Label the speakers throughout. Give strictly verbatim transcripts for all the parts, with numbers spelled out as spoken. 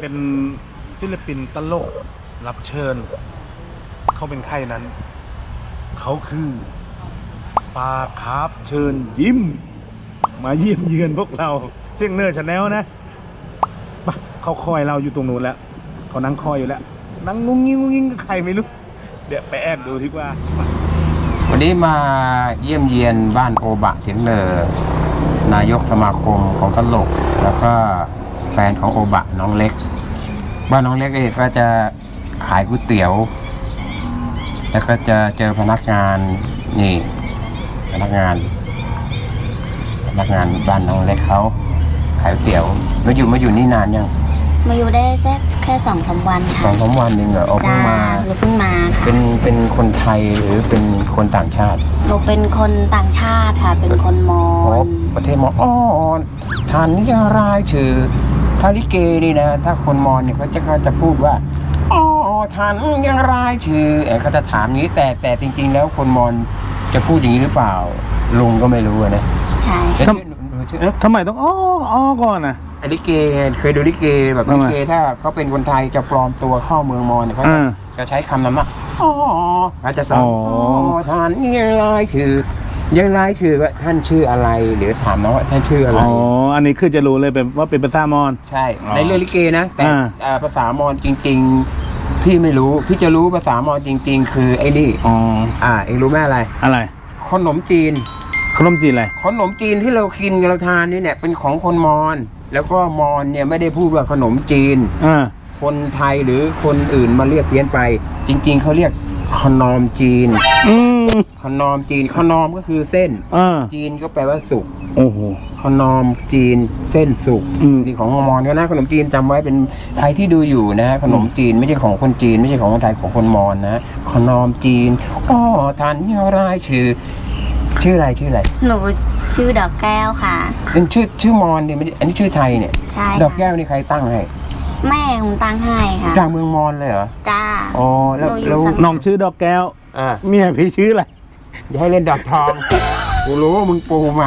Speaker 1: เป็นศิลปินตลกรับเชิญเขาเป็นใครนั้นเขาคือปาคาร์ฟเชิญยิ้มมาเยี่ยมเยือนพวกเราเชียงเนอร์ชาแนลนะปะเขาคอยเราอยู่ตรงนู้นแล้วเขานั่งคอยอยู่แล้วนั่งงุ้งงิ้งงุ้งงิ้งกับใครไม่รู้เดี๋ยวไปแอบดูดีกว่า
Speaker 2: วันนี้มาเยี่ยมเยียนบ้านโอบะเชียงเนอร์นายกสมาคมของตลกแล้วก็แฟนของโอบะน้องเล็กบ้านน้องเล็กเองก็จะขายก๋วยเตี๋ยวแล้วก็จะเจอพนักงานนี่พนักงานพนักงานบ้านน้องเล็กเขาขายก๋วยเตี๋ยวมาอยู่มาอยู่นี่นานยัง
Speaker 3: มาอยู่ได้แค่แค่สองสามวันค่ะ
Speaker 2: สองสามวันเองเหรอเพิ่งมา
Speaker 3: หนูเพิ่งมาค่ะ
Speaker 2: เป็นเป็นคนไทยหรือเป็นคนต่างชาติ
Speaker 3: หนูเป็นคนต่างชาติค่ะเป็นคนมอญ
Speaker 2: ประเทศมอญอ๋อท่านนี่รายชื่อทาริเกนี่นะถ้าคนมอญเนี่ยเขาจะเขาจะพูดว่าอ๋อท่านยังรายชื่อเขาจะถามนี้แต่แต่จริงๆแล้วคนมอญจะพูดอย่างนี้หรือเปล่าลุงก็ไม่รู้นะ
Speaker 3: ใช่
Speaker 1: ทำไมต้องอ้ออ้อก่อนนะ
Speaker 2: ลิเกเคยดูลิเกแบบลิเกถ้าเขาเป็นคนไทยจะปลอมตัวเข้าเมืองมอญเขาจะใช้คำนั้นว่าอ๋อเขาจะสอนอ๋อท่านยังรายชื่อยังรายชื่อว่าท่านชื่ออะไรหรือถามน้องว่าท่านชื่ออะไร
Speaker 1: อ๋ออันนี้คือจะรู้เลยเป็นว่าเป็นภาษามอญ
Speaker 2: ใช่ในเรื่องลิเกนะแต่ภาษามอญจริงๆพี่ไม่รู้พี่จะรู้ภาษามอญจริงๆคือไอ้นี่
Speaker 1: อ๋อ
Speaker 2: อ่าเองรู้ไหมอะไร
Speaker 1: อะไร
Speaker 2: ขนมจีน
Speaker 1: ขนมจีนอะไร
Speaker 2: ขนมจีนที่เรากินเราทานนี่เนี่ยเป็นของคนมอญแล้วก็มอญเนี่ยไม่ได้พูดว่าขนมจีนคนไทยหรือคนอื่นมาเรียกเพี้ยนไปจริงๆเขาเรียกขนมจีนขนมจีนขนมก็คือเส้นจีนก็แปลว่าสุก
Speaker 1: โอ้โห
Speaker 2: ขนมจีนเส้นสุกนี่ของมอญก็นะขนมจีนจำไว้เป็นใครที่ดูอยู่นะขนมจีนไม่ใช่ของคนจีนไม่ใช่ของคนไทยของคนมอญนะขนมจีนอ๋อท่านนี่รายชื่อชื่ออะไรชื่ออะไร
Speaker 3: หนูชื่อดอกแก้วค่ะ
Speaker 2: เป็นชื่อชื่อมอญเนี่ยไม่อันนี้ชื่อไทยเนี่ย
Speaker 3: ใช่
Speaker 2: ดอกแก้วนี่ใครตั้งให้
Speaker 3: แม่ผมตั้งให้ค่ะ
Speaker 2: จากเมืองมอญเลยเหรอ
Speaker 3: จ้า
Speaker 2: อ๋อแล้วแล้ว
Speaker 1: น้องชื่อดอกแก้ว
Speaker 2: อ่า
Speaker 1: เมียพี่ชื่ออะไร
Speaker 2: อย่าให้เล่นดอกทองกูรู้ว่ามึงปูมา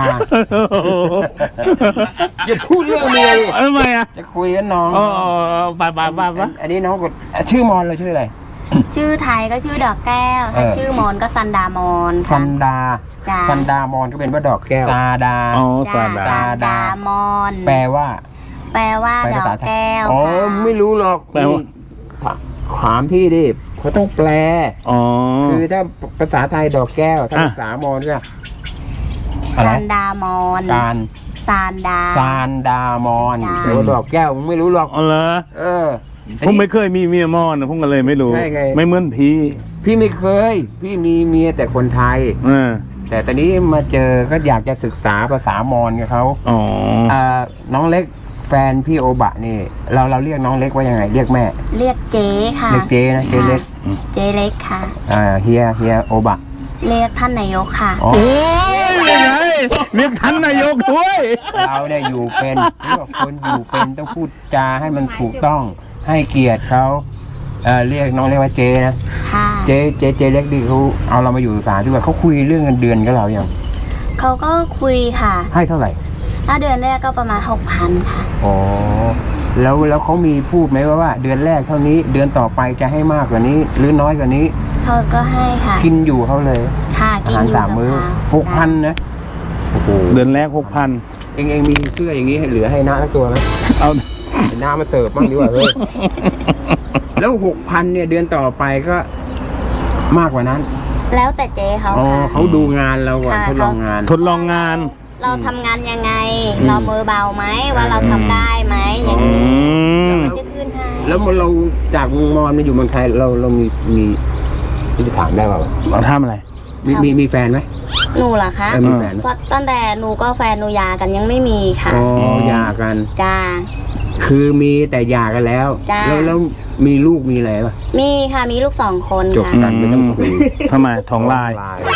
Speaker 2: อย่าพูดเรื่องเมียดิ
Speaker 1: ทำไมอ่ะ
Speaker 2: จะคุยกับน้อง
Speaker 1: อ๋อไปไปไปไป
Speaker 2: อันนี้น้องกดชื่อมอญเลยชื่ออะไร
Speaker 3: ชื่อไทยก็ชื่อดอกแก้วถ้าชื่อมอญก็ซันดามอน
Speaker 2: ซันดาซันดามอนก็เป็นว่าดอกแก้วซาดา
Speaker 1: อ๋อซาดา
Speaker 3: ซาดามอน
Speaker 2: แปลว่า
Speaker 3: แปลว่าดอกแก้ว
Speaker 2: อ๋อไม่รู้หรอก
Speaker 1: แปลว่า
Speaker 2: ถามพี่ดิเขาต้องแปล
Speaker 1: อ๋อ
Speaker 2: คือถ้าภาษาไทยดอกแก้วถ้าภาษามอญก็
Speaker 3: ซันดามอน
Speaker 2: ซาน
Speaker 3: ซานดา
Speaker 2: ซานดามอนเดี๋ยวดอกแก้วมึงไม่รู้หรอก
Speaker 1: อ๋อเหรอ
Speaker 2: เออ
Speaker 1: ผมไม่เคยมีเมียมอญนะผมก็เลยไม่รู้
Speaker 2: ใช่ไง
Speaker 1: ไม่เหมือนพี่
Speaker 2: พี่ไม่เคยพี่มีเมียแต่คนไทย
Speaker 1: เออ
Speaker 2: แต่ตอนนี้มาเจอก็อยากจะศึกษาภาษามอญกับเขา
Speaker 1: อ๋อ
Speaker 2: อ่าน้องเล็กแฟนพี่โอบะนี่เราเราเรียกน้องเล็กว่ายังไงเรียกแม่
Speaker 3: เรียกเจ๊ค่ะ
Speaker 2: เรียกเจ๊นะเจ๊เล็ก
Speaker 3: เจ๊เล็กค่ะ
Speaker 2: อ่าเฮียเฮียโอบะ
Speaker 3: เรียกท่านนายกค่ะ
Speaker 1: โอ้ยยังไงเรียกท่านนายกด้วย
Speaker 2: เราเนี่ยอยู่เป็นคนอยู่เป็นต้องพูดจาให้มันถูกต้องให้เกียรติเขาเอ่อเรียกน้องเรียกว่าเจ๊นะเจ๊เจ๊เจ๊เล็กดิเขาเอาเรามาอยู่ศาลด้วยเขาคุยเรื่องเงินเดือนกับเราอย่าง
Speaker 3: เขาก็คุยค่ะ
Speaker 2: ให้เท่าไหร่
Speaker 3: ถ้าเดือนแรกก็ประมาณหกพันค่ะ
Speaker 2: อ๋อแล้วแล้วเขามีพูดไหมว่าว่าเดือนแรกเท่านี้เดือนต่อไปจะให้มากกว่านี้หรือน้อยกว่านี้
Speaker 3: เขาก็ให้ค่ะ
Speaker 2: กินอยู่เขาเลย
Speaker 3: ค่ะกินอยู่
Speaker 2: สามมื้อหกพันนะโอ้โห
Speaker 1: เดือนแรกหกพัน
Speaker 2: เองเองมีเสื้ออย่างนี้เหลือให้น้าสักตัวไหม
Speaker 1: เอา
Speaker 2: น้ามาเสิร์ฟบ้างดีกว่าเฮ้ยแล้วหกพันเนี่ยเดือนต่อไปก็มากกว่านั้น
Speaker 3: แล้วแต่เจ๊เขา
Speaker 2: อ๋อเขาดูงานเราก่อนทดลองงาน
Speaker 1: ทดลองงาน
Speaker 3: เราทำงานยังไงเรามือเบาไหมว่าเราทำได้ไหมอย่างนี้แล้วมันจะขึ้นให้
Speaker 2: แล้วเราจากเมืองมอญมาอยู่เมืองไทยเราเรามีมีที่จะถามได้เปล่า
Speaker 1: เราทำอะไร
Speaker 2: มีมีมีแฟนไหม
Speaker 3: หนูเหรอคะ
Speaker 2: มีแฟน
Speaker 3: ตั้งแต่หนูก็แฟนหนูหย่ากันยังไม่มีค่ะ
Speaker 2: อ๋อหย่ากัน
Speaker 3: จ้า
Speaker 2: คือมีแต่หย่ากันแล้วแล้วแล้วมีลูกมีอะไรป่ะ
Speaker 3: มีค่ะมีลูกสองคน
Speaker 2: จบกันไม่ต้องคุย
Speaker 1: ทำไมท้องลาย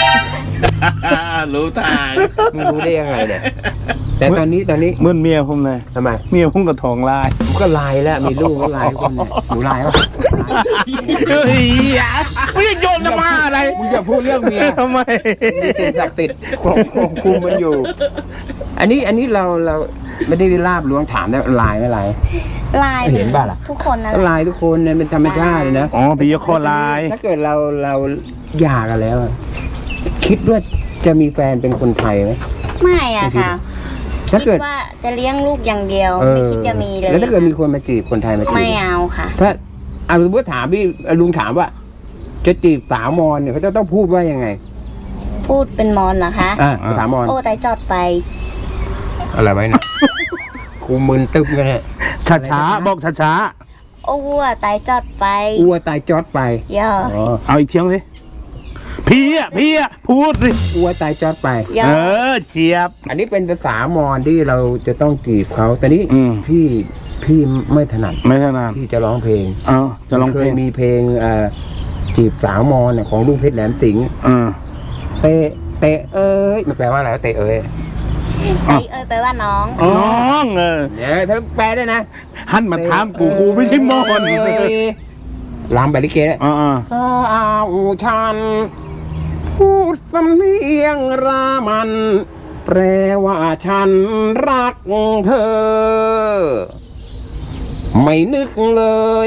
Speaker 2: รู้ทางมึงรู้ได้ยังไงเนี่ยแต่ตอนนี้ตอนนี้
Speaker 1: เหมือนเมียผมเลย
Speaker 2: ทำไม
Speaker 1: เมียผมก็ท้องลาย
Speaker 2: ผมก็ลายแล้วมีลูกก็ลายคนเนี่ยหนูลายป่ะ
Speaker 1: เฮ้ยมึงโยนจะมาอะไร
Speaker 2: มึงอย่าพูดเรื่องเมีย
Speaker 1: ทำไม
Speaker 2: มีสิ่งศักดิ์สิทธิ์ควบคุมมันอยู่อันนี้อันนี้เราเราไม่ได้ลาบล้วงถามได้ลายไม่ลาย
Speaker 3: ลาย
Speaker 2: เห็นป่ะล่ะ
Speaker 3: ทุกคนนั่นแห
Speaker 2: ก็
Speaker 3: ละ
Speaker 2: ลายทุกคนเนี่ยเป็นธรรมชาติเลยนะ
Speaker 1: อ๋อพี่ยกคอลาย
Speaker 2: ถ้าเกิดเราเราหย่ากันแล้วอะคิดว่าจะมีแฟนเป็นคนไทยไหม
Speaker 3: ไม่อะค่ะ
Speaker 2: ถ้า
Speaker 3: คิ
Speaker 2: เกิด
Speaker 3: ดว่าจะเลี้ยงลูกอย่างเดียว
Speaker 2: เออ
Speaker 3: ไม่คิดจะมีเลย
Speaker 2: แล้วถ้าเกิดมีคนมาจีบคนไทยมาจีบ
Speaker 3: ไม่เอาค่ะ
Speaker 2: ถ้าเอาสมมติถามพี่ลุงถามว่า จะจีบสาวมอญเนี่ยเขาจะต้องพูดว่ายังไง
Speaker 3: พูดเป็นมอนเหรอคะ
Speaker 2: อ่าภาษามอญ
Speaker 3: โอ้แต่จอดไป
Speaker 2: อะไรไว้นะ กูมึนตึ๊บเลยเนี่ย
Speaker 1: ช้าช้าๆบอกช้าช้า
Speaker 3: โอ้วัวไตจอดไป
Speaker 2: อ้วตายจอดไป
Speaker 3: ย่อ
Speaker 2: อ๋อ
Speaker 1: ๆเอาอีกเที่ยงสิพี่อ่ะพี่อ่ะพูดสิ
Speaker 2: อ้วตายจอดไป
Speaker 3: ย่อ
Speaker 1: เออเชียบ
Speaker 2: อันนี้เป็นภาษามอญที่เราจะต้องจีบเขาแต่นี้
Speaker 1: อืม
Speaker 2: พี่พี่ไม่ถนัด
Speaker 1: ไม่ถนัด
Speaker 2: พี่จะร้องเพลง
Speaker 1: เอาจะลองเพล
Speaker 2: เคย
Speaker 1: ง
Speaker 2: มีเพลงเอ่อจีบสาวมอญเนี่ยของลุงเพชรแหลมสิงห์
Speaker 1: เออ
Speaker 2: เตะเตะเอ้ยมันแปลว่าอะไรวะเตะเอ้ย
Speaker 3: ไตเอ้ยไปลว่าน้อง
Speaker 1: น้องเออ
Speaker 2: เนี่ยเธอแปลได้นะ
Speaker 1: หันมาถามกูกูไม่ใช่มอน
Speaker 2: เอ้ยลำแบบลิเกเลย
Speaker 1: อ่า
Speaker 2: สาวฉันพูดสำเนียงรามัน แปลว่าฉันรักเธอ ไม่นึกเลย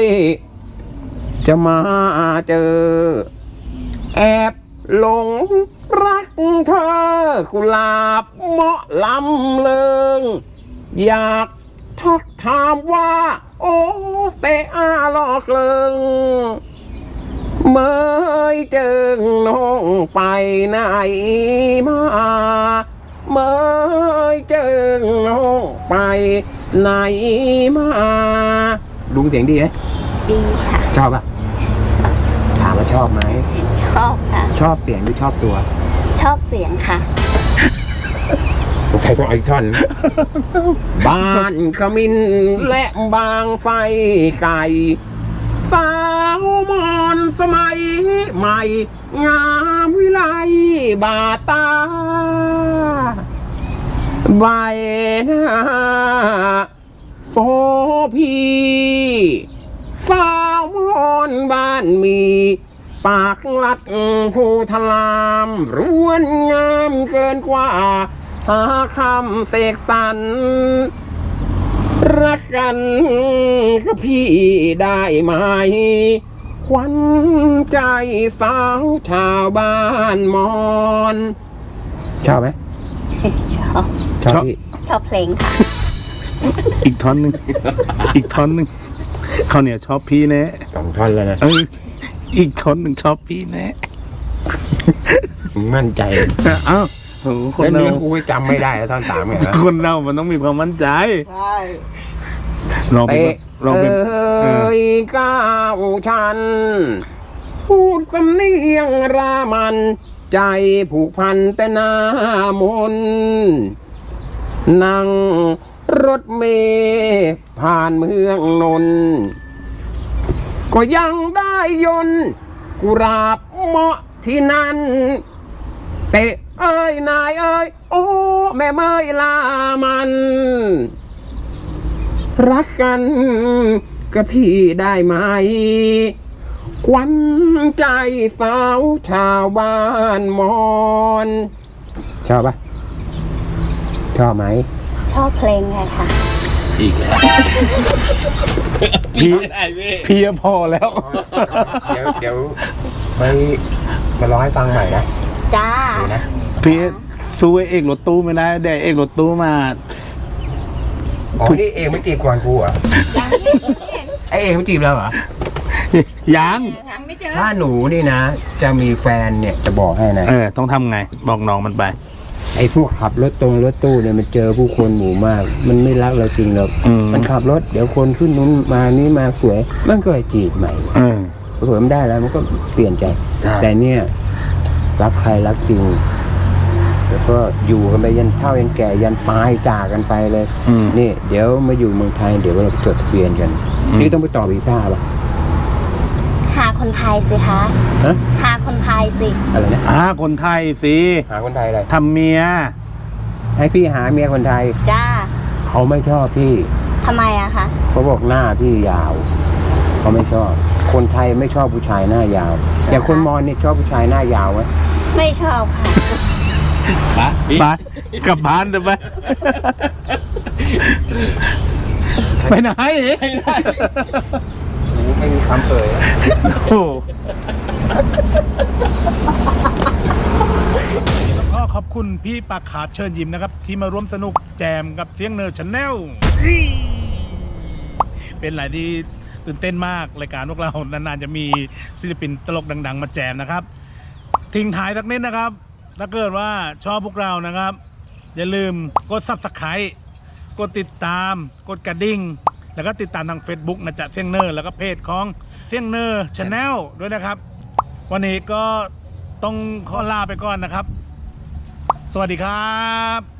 Speaker 2: จะมาเจอ แอบหลงรักเธอกุหลาบเหมาะลำเลิง อยากทักถามว่า โอ้เตอาลอกเลิง เมื่อเจอน้องไปไหนมาเมื่อเจอน้องไปไหนมาลุงเสียงดีไหม
Speaker 3: ดีค่ะ
Speaker 2: ชอบปะถามว่าชอบไหม
Speaker 3: ชอบค่ะ
Speaker 2: ชอบเสียงหรือชอบตัว
Speaker 3: ชอบเสียงค่ะ
Speaker 2: ผมใช้ตัวไอคอน บ้านขมินและบางไฟไก่ สาวมอนสมัยใหม่ งามวิไลบาตา ใบหน้าโฟพีสาวมอนบ้านมี ปากลัดผู้ทลามร้วนงามเกินกว่า หาคำเสกสรรรักกันกับพี่ได้ไหม ขวัญใจสาวชาวบ้านมอน ชอบไหม
Speaker 3: ชอบ
Speaker 2: ชอบพี่
Speaker 3: ชอบเพลงค่ะ
Speaker 1: อีกท่อนหนึ่งอีกท่อนหนึ่งเขาวเนี่ยชอบพี่แน่
Speaker 2: สองท่อนแล้วนะ
Speaker 1: เอออีกท่อนหนึ่งชอบพี่แน่
Speaker 2: มั่นใจ
Speaker 1: เอ้าโหคน
Speaker 2: แล้ว
Speaker 1: เรา
Speaker 2: เนื้อกูไม่จำไม่ได้แล้วท่อนสามไงนะ
Speaker 1: คนเรามันต้องมีความมั่นใจลองไป
Speaker 2: เตะ
Speaker 1: ลองไป
Speaker 2: เอ้ยก้าวฉัน พูดสำเนียงรามัน ใจผูกพันแต่หน้ามนต์นั่งรถเมล์ผ่านเมืองนนท์ก็ยังได้ยนต์กุราบเหมาะที่นั่น เตะเอ้ยนายเอ้ยโอ้แม่เมยลามัน รักกันกับพี่ได้ไหม ขวัญใจสาวชาวบ้านมอน ชอบปะชอบไหม
Speaker 3: ชอบเพลงไงค่ะ
Speaker 2: อีกแล้ว
Speaker 1: พี่พี่พอแล้ว
Speaker 2: เดี๋ยวเดี๋ยวไปมาร้องให้ฟังใหม่นะ
Speaker 3: จ้า
Speaker 2: ดีนะ
Speaker 1: พี่สู้ไอ้เอกรถตู้ไม่ได้แต่เอกรถตู้มา
Speaker 2: อ๋อนี่เองไม่จีบก่อนกูเหรอ่ะไอเองไม่จีบเราเหรอ
Speaker 1: ยัง
Speaker 3: ยังไม่เจอ
Speaker 2: ถ้าหนูนี่นะ จะมีแฟนเนี่ยจะบอกให้นะ
Speaker 1: เออ ต้องทำไง บอกน้องมันไป
Speaker 2: ไอ้พวกขับรถตรงรถตู้เนี่ยมันเจอผู้คนหมู่มาก มันไม่รักเราจริงหรอก
Speaker 1: อืม
Speaker 2: มันขับรถเดี๋ยวคนขึ้นนู้นมานี่มาสวย มันก็ไปจีบใหม่
Speaker 1: เออ
Speaker 2: สวยมันได้แล้วมันก็เปลี่ยนใจ
Speaker 1: ใช่
Speaker 2: แต่เนี่ยรักใครรักจริง แล้วก็อยู่กันไปยันเฒ่ายันแก่ยันตายจากกันไปเลย
Speaker 1: อืม
Speaker 2: นี่เดี๋ยวมาอยู่เมืองไทยเดี๋ยวเราไปจดทะเบียนกัน
Speaker 1: อืม
Speaker 2: นี่ต้องไปต่อวีซ่าป่ะ
Speaker 3: หาคนไทยสิคะ
Speaker 2: ฮะ
Speaker 3: หาคนไทยสิ
Speaker 2: อะไรนะ
Speaker 1: อ่าคนไทยสิ
Speaker 2: หาคนไทยอะไร
Speaker 1: ทำเมีย
Speaker 2: ให้พี่หาเมียคนไทย
Speaker 3: จ้า
Speaker 2: เขาไม่ชอบพี่
Speaker 3: ทำไมอะคะ
Speaker 2: เขาบอกหน้าพี่ยาวเขาไม่ชอบ คนไทยไม่ชอบผู้ชายหน้ายาว อย่างคนมอญเนี่ยชอบผู้ชายหน้ายาวไหม
Speaker 3: ไม่ชอบค่ะ
Speaker 1: ไปกลับบ้านเถอะไปไปไหน
Speaker 2: ไม่ได้โอ้ไม่มีคำเอ่ย
Speaker 1: โอ้แล้วก็ขอบคุณพี่ปากขาดเชิญยิ้มนะครับ ที่มาร่วมสนุกแจมกับเสียงเนอร์ชาแนลเป็นอะไรที่ตื่นเต้นมากรายการพวกเรานานๆจะมีศิลปินตลกดังๆมาแจมนะครับทิ้งท้ายสักนิดนะครับถ้าเกิดว่าชอบพวกเรานะครับอย่าลืมกด ซับสไครบ์ กดติดตามกดกระดิ่งแล้วก็ติดตามทาง Facebook นะจ๊ะเสียงเนอร์แล้วก็เพจของเสียงเนอร์ชาแนลด้วยนะครับ วันนี้ก็ต้องขอลาไปก่อนนะครับ สวัสดีครับ